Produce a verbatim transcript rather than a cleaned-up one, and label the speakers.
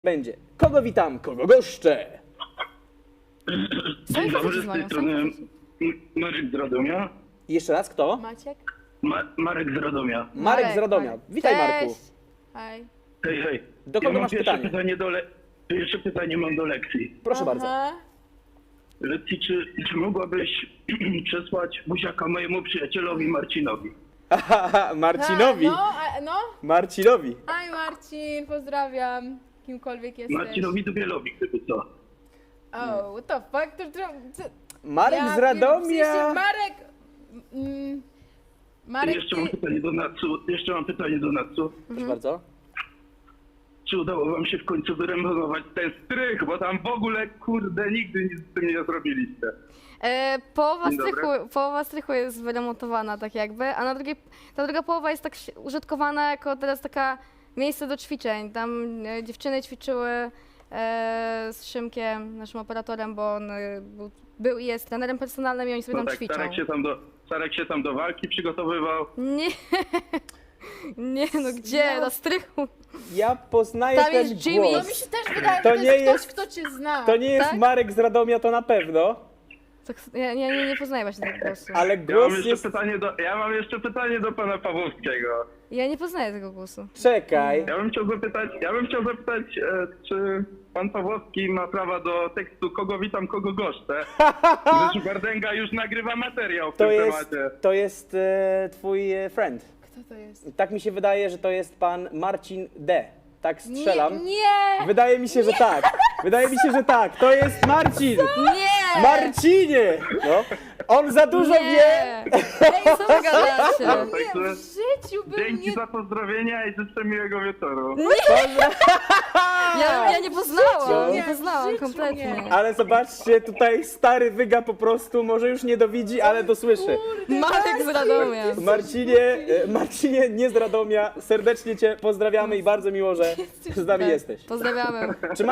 Speaker 1: Będzie. Kogo witam, kogo goszczę?
Speaker 2: Dzień dobry, z
Speaker 3: dzwonią,
Speaker 2: tej strony M- Marek z Radomia.
Speaker 1: Jeszcze raz, kto?
Speaker 3: Maciek?
Speaker 2: Ma Marek z Radomia.
Speaker 1: Marek z Radomia.
Speaker 3: Marek.
Speaker 1: Witaj,
Speaker 3: Cześć.
Speaker 1: Marku.
Speaker 3: Hej.
Speaker 2: Hej, hej.
Speaker 1: Do kogo
Speaker 2: ja mam
Speaker 1: masz
Speaker 2: pierwsze
Speaker 1: pytanie?
Speaker 2: pytanie do le Pierwsze pytanie mam do lekcji.
Speaker 1: Proszę bardzo.
Speaker 3: Aha.
Speaker 2: Lekcji, czy, czy mogłabyś przesłać buziaka mojemu przyjacielowi Marcinowi?
Speaker 1: Marcinowi.
Speaker 3: Ha, no, a, no.
Speaker 1: Marcinowi.
Speaker 3: Hej Marcin, pozdrawiam. Kimkolwiek jesteś.
Speaker 2: Marcinowi Dubielowi, gdyby co.
Speaker 3: Oh, what the fuck? To, to, to,
Speaker 1: Marek
Speaker 3: ja
Speaker 1: z
Speaker 3: pier- w sensie
Speaker 1: Radomia.
Speaker 3: Marek... Mm, Marek,
Speaker 2: jeszcze mam
Speaker 3: ty...
Speaker 2: pytanie do Natsu. Jeszcze mam pytanie do Natsu.
Speaker 1: Proszę bardzo.
Speaker 2: Czy udało wam się w końcu wyremontować ten strych? Bo tam w ogóle, kurde, nigdy nic z tym nie zrobiliście.
Speaker 4: E, połowa,
Speaker 2: Dzień dobry.
Speaker 4: strychu, połowa strychu jest wyremontowana tak jakby, a na drugiej, ta druga połowa jest tak si- użytkowana jako teraz taka miejsce do ćwiczeń. Tam e, dziewczyny ćwiczyły e, z Szymkiem, naszym operatorem, bo on e, był, był i jest trenerem personalnym i oni sobie
Speaker 2: No
Speaker 4: tam
Speaker 2: tak,
Speaker 4: ćwiczą.
Speaker 2: Starek się tam do, Starek się tam do walki przygotowywał.
Speaker 4: Nie, nie no gdzie, na strychu.
Speaker 1: Ja poznaję
Speaker 4: Tam
Speaker 1: ten
Speaker 4: jest Jimmy.
Speaker 3: No
Speaker 1: głos.
Speaker 3: mi się też wydaje,
Speaker 1: To
Speaker 3: że to
Speaker 1: nie
Speaker 3: jest ktoś,
Speaker 1: jest-
Speaker 3: kto cię zna.
Speaker 1: To nie jest
Speaker 4: Tak?
Speaker 1: Marek z Radomia, to na pewno.
Speaker 4: Tak, ja, ja nie, nie poznaję właśnie tego głosu.
Speaker 1: Ale
Speaker 2: Ja mam
Speaker 1: głos
Speaker 2: jeszcze
Speaker 1: jest...
Speaker 2: pytanie do, ja mam jeszcze pytanie do pana Pawłowskiego.
Speaker 4: Ja nie poznaję tego głosu.
Speaker 1: Czekaj.
Speaker 2: Ja bym chciał zapytać, ja bym chciał zapytać, e, czy pan Pawłowski ma prawa do tekstu kogo witam, kogo goszczę? Gdyż Bardęga już nagrywa materiał w
Speaker 1: To
Speaker 2: tym
Speaker 1: jest,
Speaker 2: temacie.
Speaker 1: to jest e, twój e, friend.
Speaker 3: Kto to jest?
Speaker 1: Tak mi się wydaje, że to jest pan Marcin D. Tak strzelam.
Speaker 3: Nie, nie!
Speaker 1: Wydaje mi się, że tak. Wydaje mi się, że tak. To jest Marcin.
Speaker 4: Nie!
Speaker 1: Marcinie! No. On za dużo wie.
Speaker 4: Nie!
Speaker 3: Ej,
Speaker 4: Co wy gadacie?
Speaker 2: No,
Speaker 3: nie,
Speaker 2: także
Speaker 3: w życiu bym
Speaker 2: dzięki
Speaker 3: nie...
Speaker 2: za pozdrowienia i życzę miłego wieczoru.
Speaker 4: Ja, ja nie poznałam, nie
Speaker 3: nie, w
Speaker 4: poznałam
Speaker 3: życiu
Speaker 4: kompletnie.
Speaker 3: nie.
Speaker 1: Ale zobaczcie, tutaj stary wyga po prostu, może już nie dowidzi, ale dosłyszy.
Speaker 4: Marek z Radomia.
Speaker 1: Marcinie, e, Marcinie, nie z Radomia, serdecznie cię pozdrawiamy i bardzo miło, że z nami jesteś.
Speaker 4: Pozdrawiamy.
Speaker 1: Czy